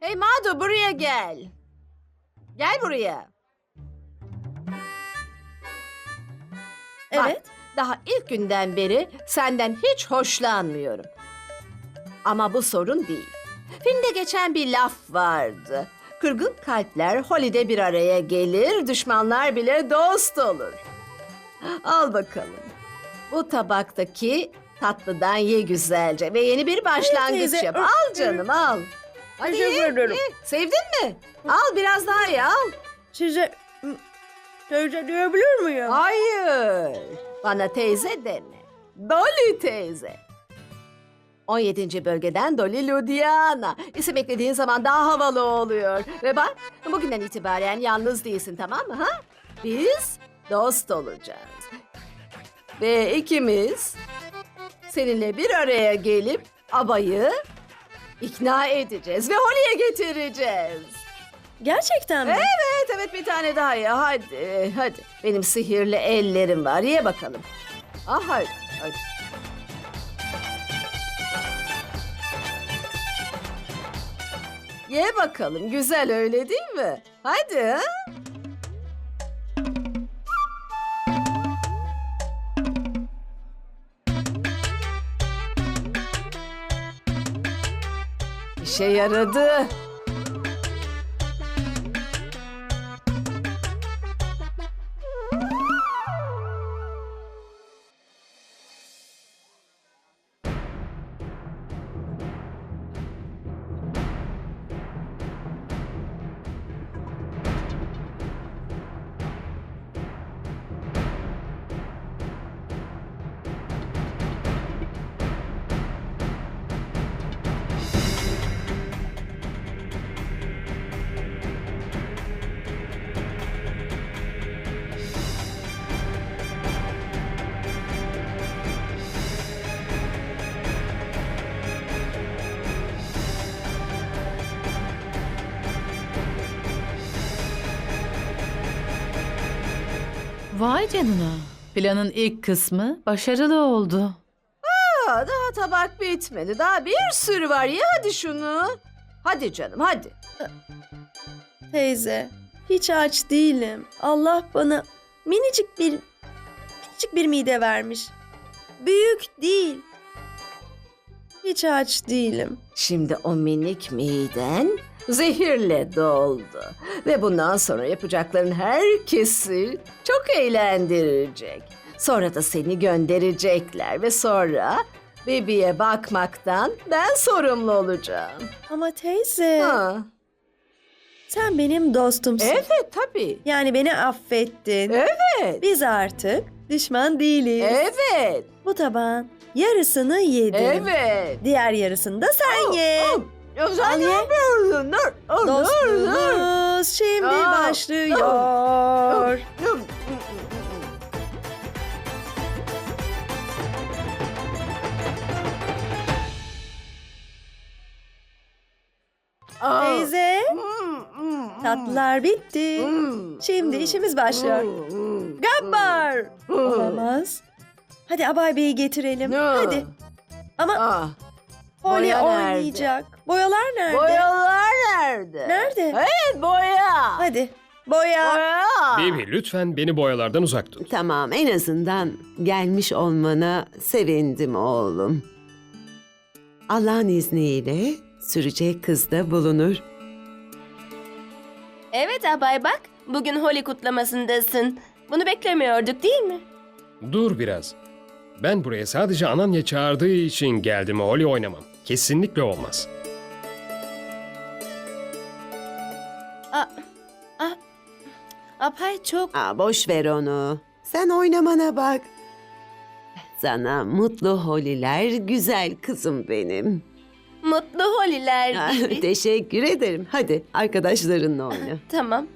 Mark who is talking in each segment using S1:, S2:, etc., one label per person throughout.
S1: Hey Madu, buraya gel. Gel buraya.
S2: Evet.
S1: Bak, daha ilk günden beri senden hiç hoşlanmıyorum. Ama bu sorun değil. Filmde geçen bir laf vardı. Kırgın kalpler Holly'de bir araya gelir, düşmanlar bile dost olur. Al bakalım. Bu tabaktaki tatlıdan ye güzelce ve yeni bir başlangıç
S2: teyze.
S1: yap. Al canım, al. Hadi
S2: Teşekkür
S1: ye,
S2: ederim.
S1: ye. Sevdin mi? Al biraz daha ye, al.
S2: Size teyze diyebilir miyim?
S1: Hayır. Bana teyze deme. Dolly teyze. 17. bölgeden Dolly Ludiana. İsim eklediğin zaman daha havalı oluyor. Ve bak, bugünden itibaren yalnız değilsin, tamam mı? Ha? Biz dost olacağız. Ve ikimiz seninle bir araya gelip abayı ikna edeceğiz ve Holly'e getireceğiz.
S2: Gerçekten mi?
S1: Evet, bir tane daha ye. Hadi. Benim sihirli ellerim var. Ye bakalım. Hadi. Ye bakalım. Güzel öyle değil mi? Hadi. Ha? İşe yaradı.
S3: Vay canına. Planın ilk kısmı başarılı oldu.
S1: Daha tabak bitmedi. Daha bir sürü var. Ye hadi şunu. Hadi canım, hadi.
S2: Teyze, hiç aç değilim. Allah bana minicik bir mide vermiş. Büyük değil. Hiç aç değilim.
S1: Şimdi o minik miden zehirle doldu. Ve bundan sonra yapacakların herkesi çok eğlendirecek. Sonra da seni gönderecekler ve sonra bebeğe bakmaktan ben sorumlu olacağım.
S2: Ama teyze,
S1: Ha.
S2: sen benim dostumsun.
S1: Evet tabii.
S2: Yani beni affettin.
S1: Evet.
S2: Biz artık düşman değiliz.
S1: Evet.
S2: Bu tabağın yarısını yedim.
S1: Evet.
S2: Diğer yarısını da sen ye.
S1: Ya sen
S2: Al
S1: ne
S2: ye.
S1: yapıyorsun? Dur.
S2: Dostluğumuz şimdi
S1: Aa.
S2: başlıyor. Teyze, tatlılar bitti. Şimdi işimiz başlıyor. Gabbar. Olamaz. Hadi Abay Bey'i getirelim. Hadi. Ama Holly
S1: boya nerede?
S2: oynayacak. Boyalar nerede?
S1: Boyalar nerede?
S2: Nerede?
S1: Evet boya.
S2: Hadi. Boya.
S1: Boya.
S4: Bibi lütfen beni boyalardan uzak tut.
S5: Tamam, en azından gelmiş olmana sevindim oğlum. Allah'ın izniyle sürecek kız da bulunur.
S6: Evet abay bak, bugün Holi kutlamasındasın. Bunu beklemiyorduk değil mi?
S4: Dur biraz. Ben buraya sadece Ananya çağırdığı için geldim. Holly oynamam. Kesinlikle olmaz.
S6: Abay çok...
S5: Boş ver onu. Sen oynamana bak. Sana mutlu holiler güzel kızım benim.
S6: Mutlu Holiler gibi.
S5: Teşekkür ederim. Hadi arkadaşlarınla oyna.
S6: Tamam.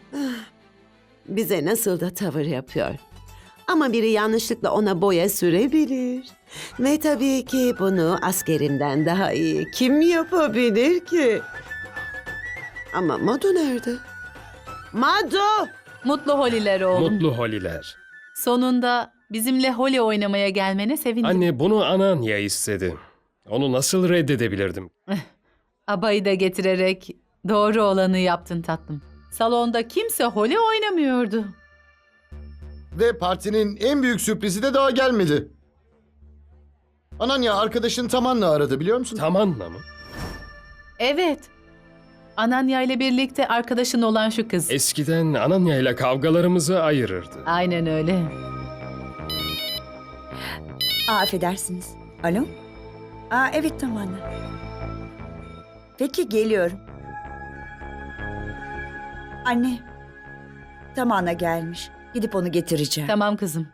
S5: Bize nasıl da tavır yapıyor. Ama biri yanlışlıkla ona boya sürebilir. Ve tabii ki bunu askerimden daha iyi kim yapabilir ki? Ama Madu nerede? Madu!
S3: Mutlu holiler oğlum.
S4: Mutlu Holly'ler.
S3: Sonunda bizimle holi oynamaya gelmene sevindim.
S4: Anne bunu Ananya istedi. Onu nasıl reddedebilirdim?
S3: Abayı da getirerek Doğru olanı yaptın tatlım. Salonda kimse holi oynamıyordu.
S7: Ve partinin en büyük sürprizi de daha gelmedi. Ananya arkadaşın Taman'la aradı biliyor musun?
S4: Tamanla mı?
S3: Evet. Ananya ile birlikte arkadaşın olan şu kız.
S4: Eskiden Ananya ile kavgalarımızı ayırırdı.
S3: Aynen öyle.
S8: Affedersiniz. Alo? Evet tamam. Peki geliyorum. Anne. Tamana gelmiş. Gidip onu getireceğim.
S3: Tamam kızım.